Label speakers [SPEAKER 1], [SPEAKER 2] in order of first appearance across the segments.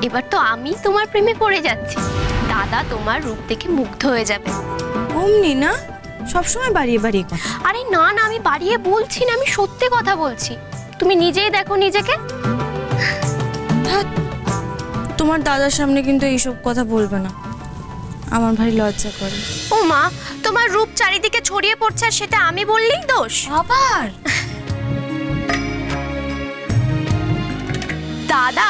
[SPEAKER 1] এবার তো আমি তোমার প্রেমে পড়ে যাচ্ছি। দাদা তোমার রূপ দেখে মুগ্ধ হয়ে যাবে।
[SPEAKER 2] অমনি না, সবসময় বাড়িয়ে বাড়িয়ে কথা।
[SPEAKER 1] আরে না না, আমি বাড়িয়ে বলছি না, আমি সত্যি কথা বলছি। তুমি নিজেই দেখো নিজেকে।
[SPEAKER 2] ধ্যাৎ, তোমার দাদার সামনে কিন্তু এইসব কথা বলবে না, আমার ভারী লজ্জা করে।
[SPEAKER 1] ও মা, তোমার রূপ চারিদিকে ছড়িয়ে পড়ছে আর সেটা আমি বললেই দোষ?
[SPEAKER 2] আবার
[SPEAKER 1] দাদা,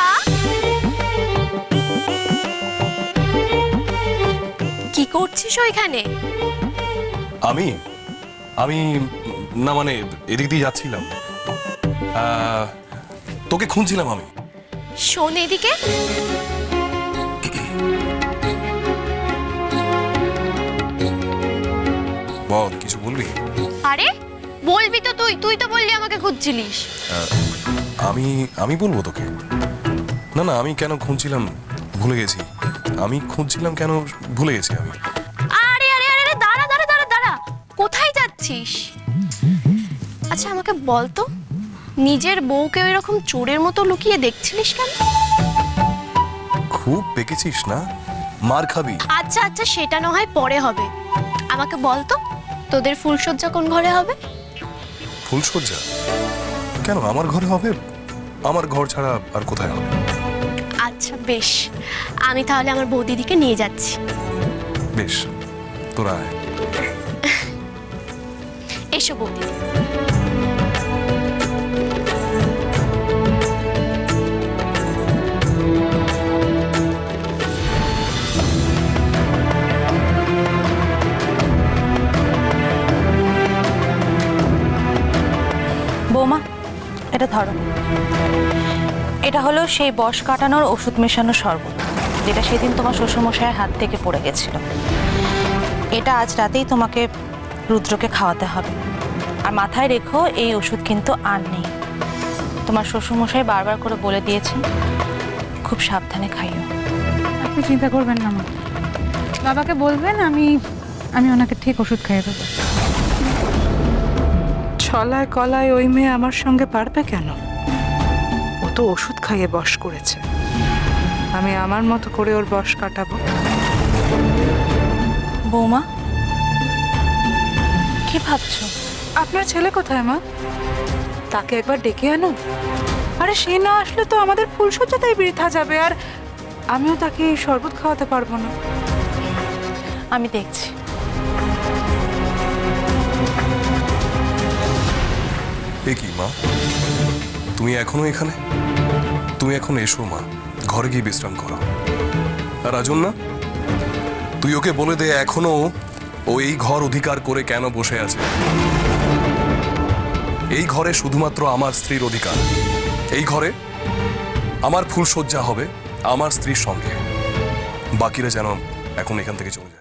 [SPEAKER 1] কি করছিস ওইখানে?
[SPEAKER 3] আমি আমি না মানে এদিক দিয়ে যাচ্ছিলাম, তোকে খুঁজছিলাম আমি।
[SPEAKER 1] শোন এদিকে।
[SPEAKER 3] বল, কিছু বলবি?
[SPEAKER 1] আরে বলবি তো, তুই তো বললি আমাকে খুঁজছিলিস।
[SPEAKER 3] আমি আমি বলবো তোকে? না না, আমি কেন খুঁজছিলাম ভুলে গেছি। আমি খুঁজছিলাম কেন ভুলে গেছি আমি।
[SPEAKER 1] আরে আরে আরে আরে, দাঁড়া দাঁড়া দাঁড়া দাঁড়া, কোথায় যাচ্ছিস? আচ্ছা আমাকে বল তো, নিজের বউকে এরকম চোরের মতো লুকিয়ে দেখছিলিস কেন?
[SPEAKER 3] খুব পেকেছিস না, মার খাবি।
[SPEAKER 1] আচ্ছা আচ্ছা, সেটা না হয় পরে হবে। আমাকে বল তো, তোদের ফুলসজ্জা কোন ঘরে হবে?
[SPEAKER 3] ফুলসজ্জা কেন আমার ঘরে হবে? আমার ঘর ছাড়া আর কোথায় হবে?
[SPEAKER 1] আচ্ছা বেশ, আমি তাহলে আমার বৌদিদিকে নিয়ে যাচ্ছি।
[SPEAKER 3] বেশ, তোরা আয়।
[SPEAKER 1] এসো বৌদি।
[SPEAKER 4] বৌমা, এটা ধরো। এটা হলো সেই বশ কাটানোর ওষুধ মেশানো শরবত, যেটা সেদিন তোমার শ্বশুরমশাইয়ের হাত থেকে পড়ে গেছিল। এটা আজ রাতেই তোমাকে রুদ্রকে খাওয়াতে হবে। আর মাথায় রেখো, এই ওষুধ কিন্তু আর নেই। তোমার শ্বশুরমশাই বারবার করে বলে দিয়েছেন, খুব সাবধানে খাইও।
[SPEAKER 5] আপনি চিন্তা করবেন না মা, বাবাকে বলবেন আমি ওনাকে ঠিক ওষুধ খাইয়ে দেবো।
[SPEAKER 6] ছলায় কলায় ওই মেয়ে আমার সঙ্গে পারবে কেন? ও তো ওষুধ খাইয়ে বশ করেছে, আমি আমার মতো করে ওর বশ কাটাবো।
[SPEAKER 4] বৌমা, কি ভাবছো?
[SPEAKER 6] আপনার ছেলে কোথায় মা? তাকে একবার ডেকে আনো। আরে সে না আসলে তো আমাদের ফুলসজ্জাটাই বৃথা যাবে, আর আমিও তাকে এই শরবত খাওয়াতে পারবো না।
[SPEAKER 4] আমি দেখছি।
[SPEAKER 3] এ কি মা, তুমি এখনো এখানে? তুমি এখন এসো মা, ঘরে গিয়ে বিশ্রাম করো। আর রাজন না, তুই ওকে বলে দে এখনো ও এই ঘর অধিকার করে কেন বসে আছে। এই ঘরে শুধুমাত্র আমার স্ত্রীর অধিকার। এই ঘরে আমার ফুলসজ্জা হবে আমার স্ত্রীর সঙ্গে। বাকিরা যেন এখন এখান থেকে চলে যায়।